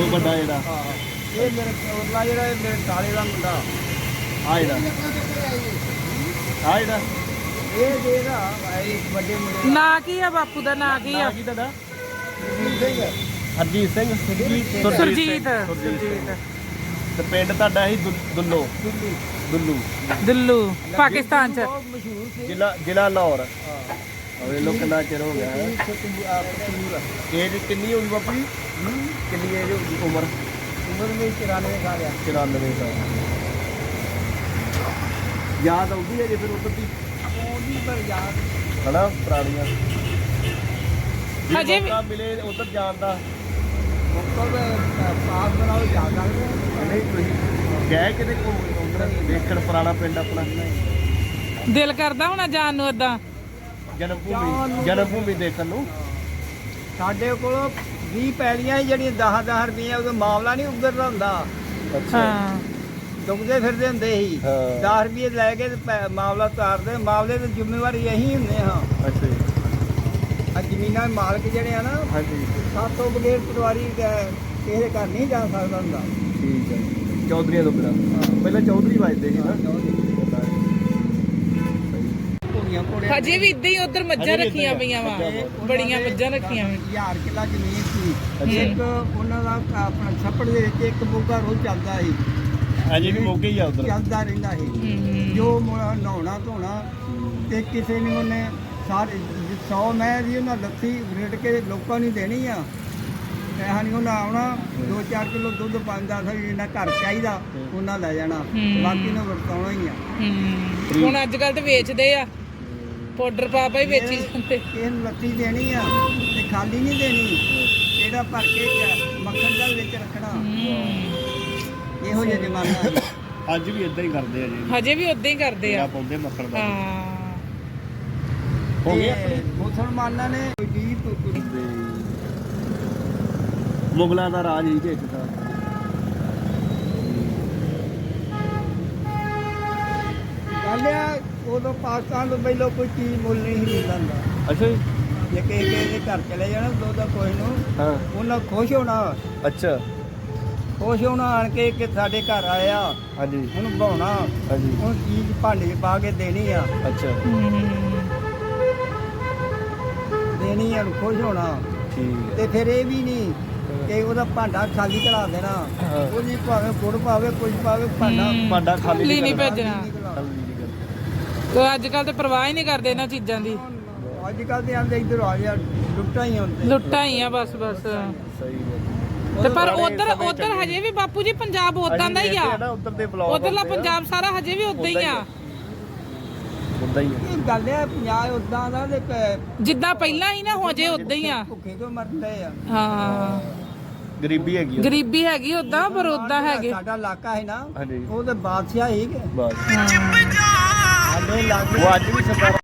ਇਹ ਵੱਡਾ ਜਿਹੜਾ ਇਹ ਮੇਰੇ ਉਰਲਾ ਜਿਹੜਾ ਇਹ ਮੇਰੇ ਕਾਲੇ ਦਾ ਮੁੰਡਾ ਆ ਜਿਹੜਾ ਇਹ ਦੇਗਾ ਇਹ ਵੱਡੇ ਮੁੰਡੇ ਨਾਂ ਕੀ ਆ ਬਾਪੂ ਦਾ? ਨਾਂ ਕੀ ਆ? ਕੀ ਤੁਹਾਡਾ? ਸਿੰਘ ਹਰਜੀਤ ਸਿੰਘ ਸੁਰਜੀਤ। ਤੇ ਪਿੰਡ ਤੁਹਾਡਾ ਸੀ ਦੁੱਲੋ ਦੁੱਲੂ ਦਿੱਲੂ ਪਾਕਿਸਤਾਨ ਚ। ਬਹੁਤ ਮਸ਼ਹੂਰ ਸੀ ਜ਼ਿਲ੍ਹਾ ਲਾਹੌਰ। ਵੇ ਲੋ ਕਿੰਨਾ ਚਿਰ ਹੋ ਗਿਆ ਹੈ। ਏਜ ਕਿੰਨੀ ਹੋਈ ਬਾਪੂ ਜੀ? ਕਿੰਨੀ ਏਜ ਹੋਈ? ਉਮਰ ਮੇਰੀ 94 ਸਾਲ ਆ 94 ਸਾਲ। ਯਾਦ ਆਉਂਦੀ ਹੈ ਜੇ ਫਿਰ ਉਧਰ ਦੀ ਉਹਦੀ ਪਰ ਯਾਦ ਹਨਾ ਪੁਰਾਣੀਆਂ ਹਜੇ ਵੀ ਮਿਲੇ ਉਧਰ ਜਾਣ ਦਾ ਮਤਲਬ ਪਾਸ ਬਣਾਓ ਜਾ ਸਕਦੇ ਨਹੀਂ ਤੁਸੀਂ ਗਏ ਕਿਤੇ ਉਧਰ ਦੇਖਣ ਪੁਰਾਣਾ ਪਿੰਡ ਆਪਣਾ? ਦਿਲ ਕਰਦਾ ਹੋਣਾ ਜਾਣ ਨੂੰ ਏਦਾਂ? ਜਨਮ ਭੂਮੀ ਦੇਖਣ ਨੂੰ। ਸਾਡੇ ਕੋਲ 20 ਪੈਲੀਆਂ ਸੀ ਜਿਹੜੀਆਂ 10-10 ਰੁਪਏ ਉਦੋਂ ਮਾਮਲਾ ਨਹੀਂ ਉੱਗਰਦਾ ਹੁੰਦਾ। ਹਾਂ ਡੁੱਬਦੇ ਫਿਰਦੇ ਹੁੰਦੇ ਸੀ। ਹਾਂ। 10 ਰੁਪਏ ਲੈ ਕੇ ਤੇ ਮਾਮਲਾ ਤਾਰਦੇ। ਮਾਮਲੇ ਦੀ ਜ਼ਿੰਮੇਵਾਰੀ ਇਹੀ ਹੁੰਦੇ ਹਾਂ। ਅੱਛਾ ਜੀ। ਆ ਜ਼ਮੀਨਾਂ ਦੇ ਮਾਲਕ ਜਿਹੜੇ ਆ ਨਾ ਹਾਂਜੀ ਸਾਤੋਂ ਬਗੈਰ ਪਟਵਾਰੀ ਕਿਸੇ ਦੇ ਘਰ ਨਹੀਂ ਜਾ ਸਕਦਾ ਹੁੰਦਾ। ਠੀਕ ਹੈ। ਚੌਧਰੀਆਂ ਤੋਂ ਬਿਨਾਂ ਪਹਿਲਾਂ ਚੌਧਰੀ ਵੱਜਦੇ ਸੀ ਨਾ। ਘੋੜੀਆਂ ਘੋੜੇ ਹਜੇ ਵੀ ਇਦਾਂ ਹੀ ਉਧਰ ਮੱਝਾਂ ਰੱਖੀਆਂ ਪਈਆਂ ਵਾ, ਬੜੀਆਂ ਮੱਝਾਂ ਰੱਖੀਆਂ ਵਾ। 1000 ਕਿੱਲਾ ਜ਼ਮੀਨ ਸੀ। ਇੱਕ ਉਹਨਾਂ ਦਾ ਆਪਣਾ ਛੱਪੜ ਦੇ ਵਿੱਚ ਇੱਕ ਮੋਗਾ ਰੋਜ਼ ਚੱਲਦਾ ਸੀ। ਅਜੇ ਵੀ ਮੌਕੇ ਹੀ ਆ ਉਧਰ। ਚੱਲਦਾ ਰਹਿੰਦਾ ਸੀ। ਜੋ ਨਹਾਉਣਾ ਧੋਣਾ ਤੇ ਕਿਸੇ ਨੂੰ ਉਹਨੇ ਸਾਰੇ 100 ਮੈਂ ਦੀ ਉਹਨਾਂ ਲੱਥੀ ਰੇਟ ਕੇ ਲੋਕਾਂ ਨੂੰ ਦੇਣੀ ਆ। ਪੈਸਾ ਨਹੀਂ ਉਹਨਾਂ ਆਉਣਾ। 2-4 ਕਿਲੋ ਦੁੱਧ ਪਾਉਂਦਾ ਸੀ। ਜਿੰਨਾ ਘਰ ਚਾਹੀਦਾ ਉਹਨਾਂ ਲੈ ਜਾਣਾ। ਬਾਕੀ ਨੂੰ ਵਰਤਾਉਣਾ ਹੀ ਆ। ਹੁਣ ਅੱਜ ਕੱਲ ਤੇ ਵੇਚਦੇ ਆ, ਪਾਊਡਰ ਪਾ ਹੀ ਵੇਚੀ ਜਾਂਦੇ। ਇਹਨੂੰ ਲੱਥੀ ਦੇਣੀ ਆ ਤੇ ਖਾਲੀ ਨਹੀਂ ਦੇਣੀ। ਇਹਦਾ ਭਰ ਕੇ ਮੱਖਣ ਦਾ ਵਿੱਚ ਰੱਖਣਾ। ਇਹੋ ਜਿਹਾ ਜ਼ਮਾਨਾ ਹੈ। ਅੱਜ ਵੀ ਇਦਾਂ ਹੀ ਕਰਦੇ ਆ ਜੀ। ਹਜੇ ਵੀ ਉਦਾਂ ਹੀ ਕਰਦੇ ਆ। ਪਾਉਂਦੇ ਮੱਖਣ ਦਾ। ਹਾਂ ਹੋ ਗਿਆ ਮੁਸਲਮਾਨਾਂ ਨੇ ਮੁਗਲਾਂ ਦਾ ਰਾਜ ਹੀ ਇੱਕ ਤਾਂ। ਗੱਲ ਆ ਉਦੋਂ ਪਾਕਿਸਤਾਨ ਤੋਂ ਪਹਿਲਾਂ ਕੋਈ ਚੀਜ਼ ਮੁੱਲ ਨਹੀਂ ਸੀ ਮਿਲਦਾ ਹੁੰਦਾ। ਅੱਛਾ ਜੀ। ਜੇ ਕਿਸੇ ਦੇ ਘਰ ਚਲੇ ਜਾਣਾ ਦੁੱਧ ਦਾ ਕੋਈ ਨੂੰ ਹਾਂ ਉਹਨਾਂ ਖੁਸ਼ ਹੋਣਾ। ਅੱਛਾ। ਖੁਸ਼ ਹੋਣਾ ਆਣ ਕੇ ਕਿ ਸਾਡੇ ਘਰ ਆਇਆ ਹਾਂਜੀ ਉਹਨੂੰ ਭਾਉਣਾ। ਹਾਂਜੀ ਉਹ ਚੀਜ਼ ਭਾਂਡੇ 'ਚ ਪਾ ਕੇ ਦੇਣੀ ਆ। ਅੱਛਾ ਦੇਣੀ ਆ ਖੁਸ਼ ਹੋਣਾ। ਠੀਕ ਤੇ ਫਿਰ ਇਹ ਵੀ ਨਹੀਂ ਕਿ ਉਹਦਾ ਭਾਂਡਾ ਖਾਲੀ ਕਰਾ ਦੇਣਾ। ਹਾਂ। ਉਹਦੀ ਭਾਵੇਂ ਗੁੜ ਪਾਵੇ ਕੁਝ ਪਾਵੇ ਭਾਂਡਾ ਭਾਂਡਾ ਖਾਲੀ ਨਹੀਂ ਭੇਜਣਾ। ਅੱਜ ਕੱਲ ਤੇ ਪਰਵਾਹ ਹੀ ਨਹੀਂ ਕਰਦੇ ਇਹਨਾਂ ਚੀਜ਼ਾਂ ਦੀ। ਅੱਜ ਕੱਲ ਤੇ ਆਂਦੇ ਇੱਧਰ ਆ ਜਾ ਲੁੱਟਾਂ ਹੀ ਹੁੰਦੇ। ਲੁੱਟਾਂ ਹੀ ਆ ਬਸ ਬਸ। ਸਹੀ ਤੇ ਪਰ ਉਧਰ ਹਜੇ ਵੀ ਬਾਪੂ ਜੀ ਪੰਜਾਬ ਉਦਾਂ ਦਾ ਹੀ ਆ। ਉਧਰ ਦੇ ਬਲੌਗ ਉਧਰਲਾ ਪੰਜਾਬ ਸਾਰਾ ਹਜੇ ਵੀ ਉਦਾਂ ਹੀ ਆ। ਉਦਾਂ ਹੀ ਆ। ਇਹ ਗੱਲ ਹੈ ਪੰਜਾਬ ਉਦਾਂ ਦਾ ਤੇ ਜਿੱਦਾਂ ਪਹਿਲਾਂ ਹੀ ਨਾ ਹੋ ਜੇ ਉਦਾਂ ਹੀ ਆ। ਭੁੱਖੇ ਤੋਂ ਮਰਦੇ ਆ। ਹਾਂ ਗਰੀਬੀ ਹੈਗੀ ਆ। ਗਰੀਬੀ ਹੈਗੀ ਉਦਾਂ, ਪਰ ਉਦਾਂ ਹੈਗੇ। ਸਾਡਾ ਇਲਾਕਾ ਹੈ ਨਾ ਹਾਂਜੀ ਉਹ ਤੇ ਬਾਦਸ਼ਾਹ ਹੀ ਕਿ ਬਸ ਹਾਂ ਸਾਡੇ ਇਲਾਕੇ ਉਹ ਅੱਜ ਵੀ ਸਰਕਾਰ